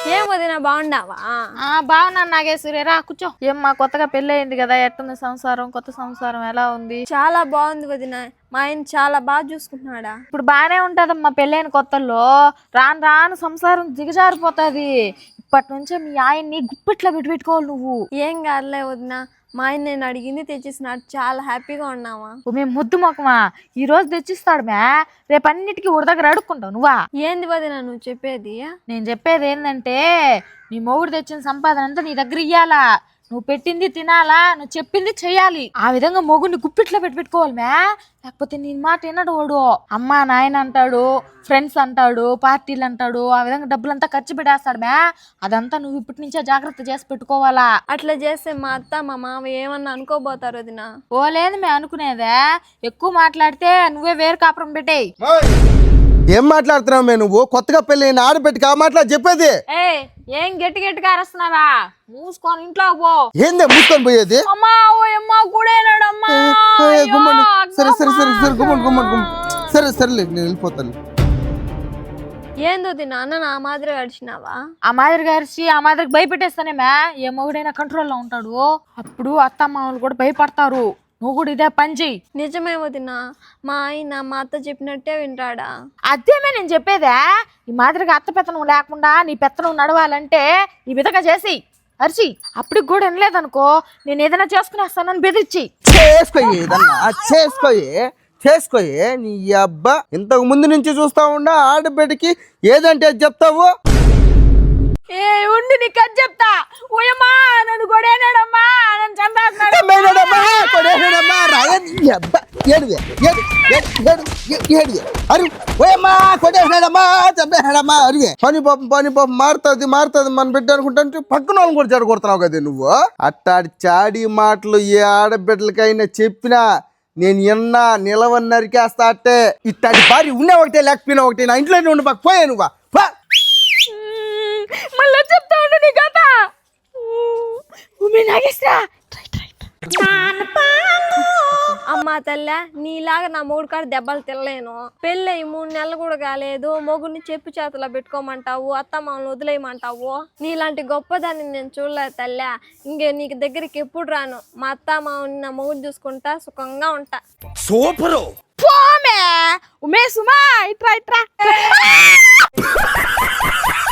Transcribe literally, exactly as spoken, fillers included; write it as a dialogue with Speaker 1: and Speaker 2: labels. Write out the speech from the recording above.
Speaker 1: ఏం వదినా బాగుండావా?
Speaker 2: బాగున్నాను నాగేశ్వరి, రా కూర్చో. ఏమ్మా కొత్తగా పెళ్లి అయింది కదా, ఎట్టుంది సంసారం? కొత్త సంసారం ఎలా ఉంది?
Speaker 1: చాలా బాగుంది వదినా, మా ఆయన చాలా బాగా చూసుకుంటున్నాడా.
Speaker 2: ఇప్పుడు బానే ఉంటదమ్మా, పెళ్ళైన కొత్తల్లో రాను రాను సంసారం దిగజారిపోతుంది. ఇప్పటి నుంచే మీ ఆయన్ని గుప్పిట్లో పెట్టి పెట్టుకోవాలి నువ్వు.
Speaker 1: ఏం కాదులే వదినా, మా ఆయన నేను అడిగింది తెచ్చిస్తున్నాడు, చాలా హ్యాపీగా ఉన్నావా.
Speaker 2: మేము ముద్దు మొక్కమా, ఈ రోజు తెచ్చిస్తాడు మే, రేపు అన్నిటికీ ఊరి దగ్గర అడుక్కుంటావు నువ్వా?
Speaker 1: ఏంది వదినా నువ్వు చెప్పేది?
Speaker 2: నేను చెప్పేది ఏంటంటే, నీ మొగుడు తెచ్చిన సంపాదన అంతా నీ దగ్గర ఇయ్యాలా, నువ్వు పెట్టింది తినాలా, నువ్వు చెప్పింది చెయ్యాలి. ఆ విధంగా మొగుడిని గుప్పిట్లో పెట్టి పెట్టుకోవాలి మే, లేకపోతే నీ మాట వినడు వాడు. అమ్మా నాయన అంటాడు, ఫ్రెండ్స్ అంటాడు, పార్టీలు అంటాడు, ఆ విధంగా డబ్బులంతా ఖర్చు పెట్టేస్తాడు మే. అదంతా నువ్వు ఇప్పటి నుంచే జాగ్రత్త చేసి పెట్టుకోవాలా.
Speaker 1: అట్లా చేస్తే మా అత్త మా మామ ఏమన్నా అనుకోబోతారు వదినా.
Speaker 2: ఓ లేదు మే అనుకునేదే, ఎక్కువ మాట్లాడితే నువ్వే వేరు కాపురం పెట్టేయి.
Speaker 3: ఏం మాట్లాడుతున్నావు మే నువ్వు? కొత్తగా పెళ్లి అయిన ఆడబెట్టి కా మాట్లాడి చెప్పేది.
Speaker 2: ఏ ఏం గట్టి గట్టిగా అరుస్తున్నావా? మూసుకొని ఇంట్లో పో.
Speaker 3: ఏందే మూసుకొని పోయేది?
Speaker 2: అమ్మా ఓ అమ్మా కూడేనాడమ్మా.
Speaker 3: సరే సరే సరే సరే గుమ్మండి గుమ్మండి గుమ్మ సరే సరేలే, నేను వెళ్ళిపోతాను.
Speaker 1: ఏందో వదినా, అన్న నా మాదిరి గడిచినావా?
Speaker 2: ఆ మాదిరి గారిచి ఆ మాదిరికి భయపెట్టేస్తానే మే, ఏ మొగుడైనా కంట్రోల్లో ఉంటాడు. అప్పుడు అత్తమ్మావులు కూడా భయపడతారు. నువ్వు కూడా ఇదే పని చెయ్యి.
Speaker 1: నిజమే వదినా, మా ఆయన మా అత్త చెప్పినట్టే వింటాడా?
Speaker 2: అదేమే నేను చెప్పేదా, ఈ మాదిరిగా అత్త పెత్తనం లేకుండా నీ పెత్తనం నడవాలంటే ఈ విధంగా చేసి అరిచి అప్పటికి కూడా వినలేదనుకో, నేను ఏదైనా చేసుకునేస్తానని బెదిరించి
Speaker 3: చేసుకోయి చేసుకోయి చేసుకోయి నీ అబ్బా. ఇంతకు ముందు నుంచి చూస్తా ఉండా ఆడబిడ్డకి ఏదంటే చెప్తావు.
Speaker 2: ఏ ఉండి నీకు అది చెప్తా. ఓయమ్మా నన్ను కొడేనాడమ్మా, నన్ను చంపేస్తున్నాడు.
Speaker 3: పని పాపం పని పాపం మారుతుంది మారుతుంది మన బిడ్డ అనుకుంటా పక్కన వాళ్ళని కూడా చెడగొడుతున్నావు కదా నువ్వు. అట్టాడి చాడి మాటలు ఏ ఆడబిడ్డలకైనా చెప్పినా నేను ఎన్నా నిలవని నరికేస్తా. అట్టే ఇట్టాడి భార్య ఉన్న ఒకటే లేకపోయినా ఒకటే, నా ఇంట్లోనే ఉండి పక్క పోయా నువ్వా.
Speaker 2: మళ్ళీ చెప్తా ఉండు నీ కథ. నాగేశ్వరా
Speaker 1: అమ్మా తల్లే, నీలాగా నా మొగుడు కాడ దెబ్బలు తినలేను. పెళ్ళి మూడు నెలలు కూడా కాలేదు, మొగుడిని చెప్పు చేతిలో పెట్టుకోమంటావు, అత్తమ్మని వదిలేయమంటావు. నీలాంటి గొప్పదాన్ని నేను చూడలేదు తల్లే. ఇంకే నీకు దగ్గరికి ఎప్పుడు రాను. మా అత్తమ్మని నా మొగుడు చూసుకుంటా సుఖంగా ఉంటా.
Speaker 3: సూపరు
Speaker 2: పోమే ఉమే సుమా ఇట్రా ఇట్రా.